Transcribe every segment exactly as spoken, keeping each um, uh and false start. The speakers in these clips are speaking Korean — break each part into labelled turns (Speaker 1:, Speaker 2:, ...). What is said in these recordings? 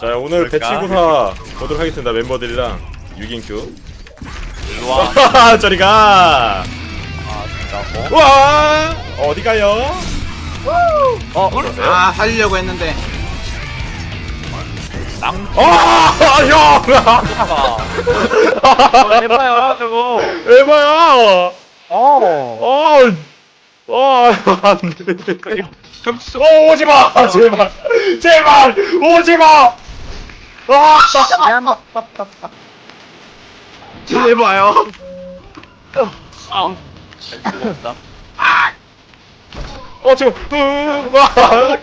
Speaker 1: 자 오늘 배치구사 보도록 하겠습니다. 멤버들이랑 육 인큐. 일로와. 저리가.
Speaker 2: 아 진짜 뭐?
Speaker 1: 우와 어디가요?
Speaker 2: 어? 그러세요?
Speaker 3: 아 살리려고 했는데
Speaker 2: 낭
Speaker 1: 아 형!
Speaker 2: 해봐요 저거
Speaker 1: 에바야!
Speaker 2: 어
Speaker 1: 아, 아, 안 돼. 어, 오지 마! 제발! 제발! 오지 마! 아!
Speaker 3: 제발요.
Speaker 2: 아, 잘 수가 없다.
Speaker 1: 어, 지금, 으, 와!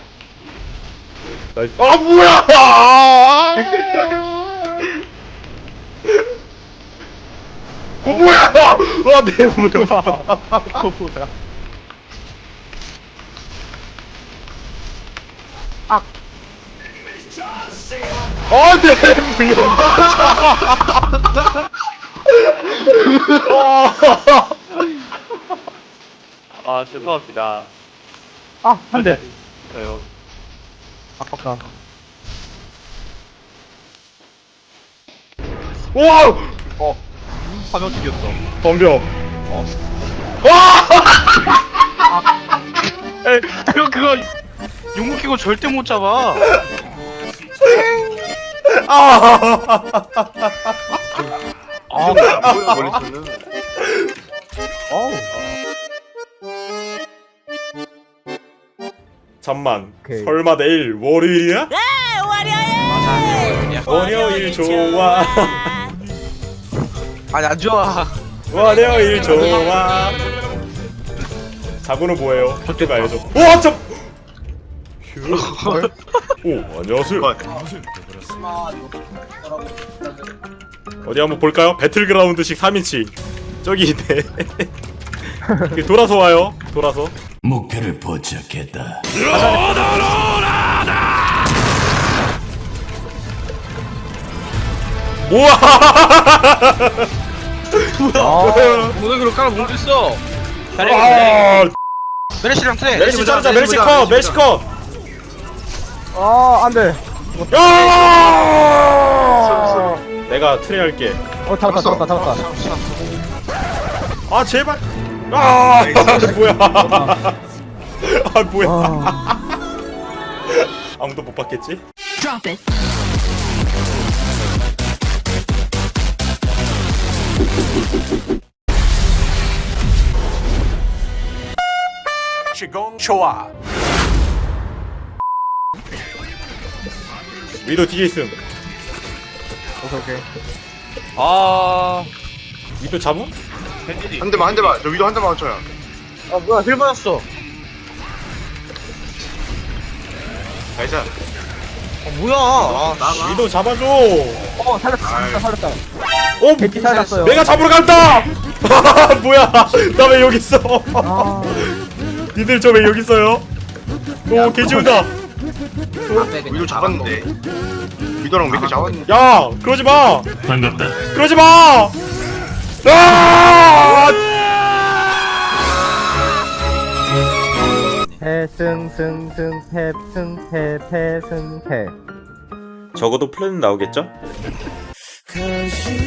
Speaker 1: 나이스. 아, 뭐야! 아! 어, 뭐야! 와, 내 무릎.
Speaker 2: 뭐야?
Speaker 1: 아, 내 무릎.
Speaker 2: 아 죄송합니다.
Speaker 4: 아, 한 대.
Speaker 2: 저요.
Speaker 4: 아깝다.
Speaker 1: 와!
Speaker 2: 어 화면 튀겼어.
Speaker 1: 덤벼.
Speaker 2: 어.
Speaker 1: 와!
Speaker 2: 에 그거 그거 용무 끼고 절대 못 잡아.
Speaker 1: 아!
Speaker 2: 아
Speaker 3: 뭐야 머리수는.
Speaker 4: 어우.
Speaker 1: 잠만.
Speaker 4: 오케이.
Speaker 1: 설마 내일 월요일이야?
Speaker 3: 맞아.
Speaker 1: 월요일 좋아.
Speaker 2: 아니 안 좋아.
Speaker 1: 월요일 좋아. 자고는 뭐예요? 학교가 알려줘. 와, 참. 휴. 오, 안녕하세요. 어디 한번 볼까요? 배틀그라운드식 삼 인치. 저기 있네. 돌아서 와요. 돌아서.
Speaker 5: 목표를 포착했다.
Speaker 1: 우와!
Speaker 2: 모델으로 깔아 모르겠어.
Speaker 1: 아,
Speaker 2: 메르시랑 트레.
Speaker 1: 메르시 자르자. 메르시 컷. 메르시 컷.
Speaker 4: 아, 안 돼.
Speaker 1: 야! 내가 트레 할게.
Speaker 4: 어, 잡았다, 잡았다, 잡았다.
Speaker 1: 아, 제발. 아, 뭐야? 아, 뭐야?
Speaker 4: 아,
Speaker 1: 아무도 못 봤겠지?
Speaker 6: Drop it.
Speaker 5: 시공 좋아.
Speaker 1: 위도 뒤에 있음.
Speaker 4: 오케이, 오케이.
Speaker 2: 아
Speaker 1: 위도 잡음?
Speaker 3: 한 대만 한 대만. 저 위도 한 대만 맞춰요.
Speaker 2: 아 뭐야 힐 받았어.
Speaker 3: 나이스.
Speaker 2: 아 뭐야? 아,
Speaker 3: 나가.
Speaker 1: 위도 잡아줘.
Speaker 4: 어, 살렸다, 살렸다, 살렸다.
Speaker 1: 어,
Speaker 4: 벤티 살렸어요.
Speaker 1: 내가 잡으러 간다. 뭐야? 나 왜 여기 있어?
Speaker 4: 아,
Speaker 1: 니들 저 왜 여기 있어요? 오, 개지운다.
Speaker 3: 위도 잡았는데. 위도랑 맥크 잡았는데.
Speaker 1: 야, 그러지 마.
Speaker 5: 반갑다.
Speaker 1: 그러지 마. 아!
Speaker 4: 패승승승 패승 패 패승 패.
Speaker 1: 적어도 플랜은 나오겠죠?
Speaker 5: 그